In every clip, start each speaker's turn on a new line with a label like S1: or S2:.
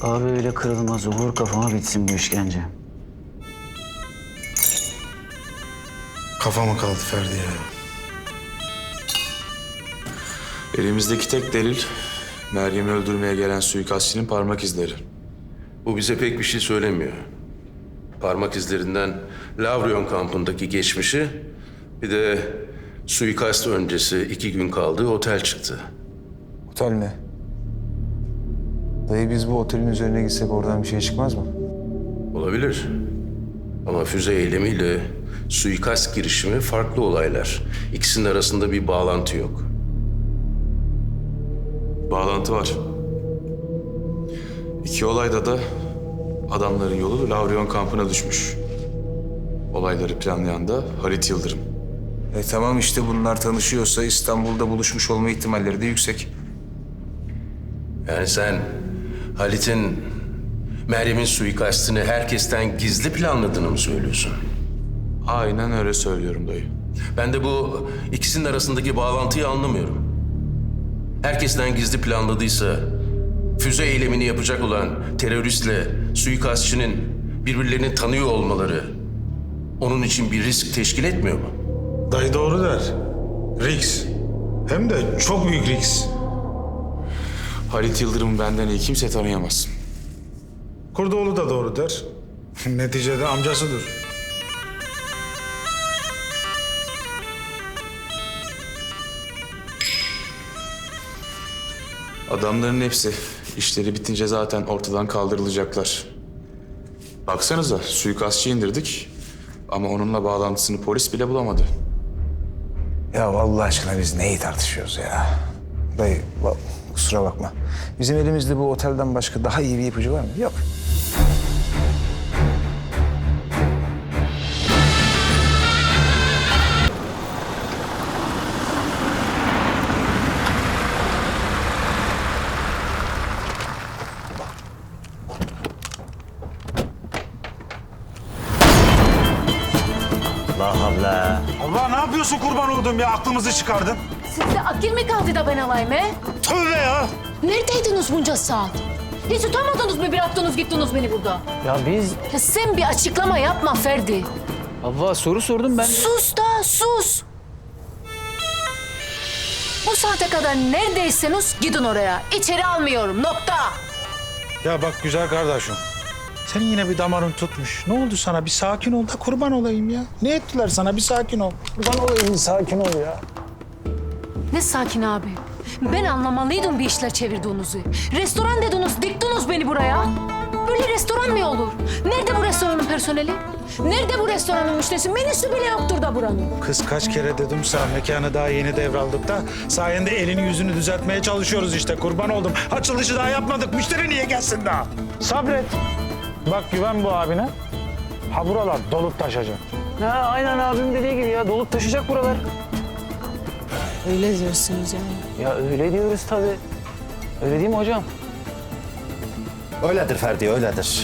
S1: Abi öyle kırılmaz. Vur kafama bitsin bu işkence.
S2: Kafama kaldı Ferdi ya.
S3: Elimizdeki tek delil Meryem'i öldürmeye gelen suikastçının parmak izleri.
S4: Bu bize pek bir şey söylemiyor. Parmak izlerinden Lavrion kampındaki geçmişi, bir de suikast öncesi 2 gün kaldığı otel çıktı.
S2: Otel mi? Dayı biz bu otelin üzerine gitsek oradan bir şey çıkmaz mı?
S4: Olabilir. Ama füze eylemiyle suikast girişimi farklı olaylar. İkisinin arasında bir bağlantı yok.
S3: Bağlantı var. İki olayda da adamların yolu Lavrion kampına düşmüş. Olayları planlayan da Halit Yıldırım.
S2: Tamam işte bunlar tanışıyorsa İstanbul'da buluşmuş olma ihtimalleri de yüksek.
S4: Yani sen Halit'in Meryem'in suikastini herkesten gizli planladığını mı söylüyorsun?
S3: Aynen öyle söylüyorum dayı.
S4: Ben de bu ikisinin arasındaki bağlantıyı anlamıyorum. Herkesten gizli planladıysa füze eylemini yapacak olan teröristle suikastçının birbirlerini tanıyor olmaları onun için bir risk teşkil etmiyor mu?
S5: Dayı doğru der. Riks. Hem de çok büyük riks.
S3: Halit Yıldırım'ı benden iyi kimse tanıyamaz.
S5: Kurdoğlu da doğru der. Neticede amcasıdır.
S3: Adamların hepsi işleri bitince zaten ortadan kaldırılacaklar. Baksanıza suikastçı indirdik ama onunla bağlantısını polis bile bulamadı.
S2: Ya vallahi aşkına biz neyi tartışıyoruz ya? Dayı kusura bakma. Bizim elimizde bu otelden başka daha iyi bir ipucu var mı? Yok.
S1: Allah Allah.
S5: Allah ne yapıyorsun kurban olduğum ya? Aklımızı çıkardın.
S6: Sizde akıl mi kaldı da ben alayım he?
S5: Tövbe ya.
S6: Neredeydiniz bunca saat? Hiç utamadınız mı bıraktınız gittiniz beni burada?
S1: Ya biz...
S6: Ya sen bir açıklama yapma Ferdi.
S1: Havva soru sordum ben.
S6: Sus da sus. Bu saate kadar neredeyseniz gidin oraya. İçeri almıyorum nokta.
S5: Ya bak güzel kardeşim. Senin yine bir damarın tutmuş. Ne oldu sana? Bir sakin ol da kurban olayım ya. Ne ettiler sana? Bir sakin ol. Kurban olayım, bir sakin ol ya.
S6: Ne sakin abi. Ben anlamalıydım bir işler çevirdiğinizi. Restoran dediniz, diktiniz beni buraya. Böyle restoran mı olur? Nerede bu restoranın personeli? Nerede bu restoranın müşterisi? Menüsü bile yoktur da buranın.
S5: Kız kaç kere dedim sana mekanı daha yeni devraldık da sayende elini yüzünü düzeltmeye çalışıyoruz işte kurban oldum. Açılışı daha yapmadık. Müşteri niye gelsin daha? Sabret. Bak güven bu abine. Ha buralar dolup taşacak.
S1: Ha, aynen abim dediği gibi ya. Dolup taşıyacak buralar.
S6: Öyle diyorsunuz yani.
S1: Ya öyle diyoruz tabii. Öyle değil mi hocam?
S7: Öyledir Ferdi, öyledir.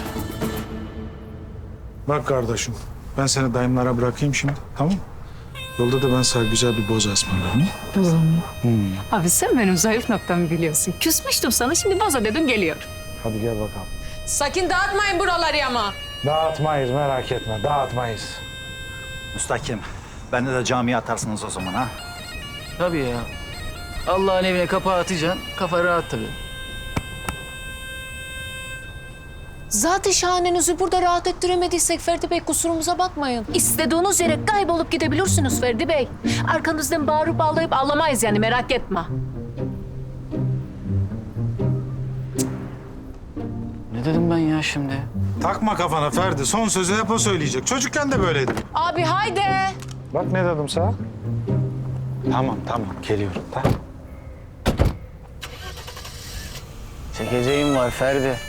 S5: Bak kardeşim ben seni dayımlara bırakayım şimdi tamam mı? Yolda da ben sana güzel bir boz ısmarlarım.
S6: Abi sen benim zayıf noktamı biliyorsun. Küsmüştüm sana şimdi boza dedim geliyor.
S5: Hadi gel bakalım.
S6: Sakın dağıtmayın buraları ama.
S5: Dağıtmayız merak etme dağıtmayız.
S7: Müstakim, beni de camiye atarsınız o zaman ha.
S1: Tabii ya. Allah'ın evine kapağı atacaksın. Kafa rahat tabii.
S6: Zaten şahanenizi burada rahat ettiremediysek Ferdi Bey kusurumuza bakmayın. İstediğiniz yere kaybolup gidebilirsiniz Ferdi Bey. Arkanızdan bağırıp ağlayıp ağlamayız yani merak etme.
S1: Ne dedim ben ya şimdi?
S5: Takma kafana Ferdi son sözü hep o söyleyecek. Çocukken de böyleydi.
S6: Abi haydi.
S5: Bak ne dedim sana? Tamam geliyorum tamam.
S1: Çekeceğim var Ferdi.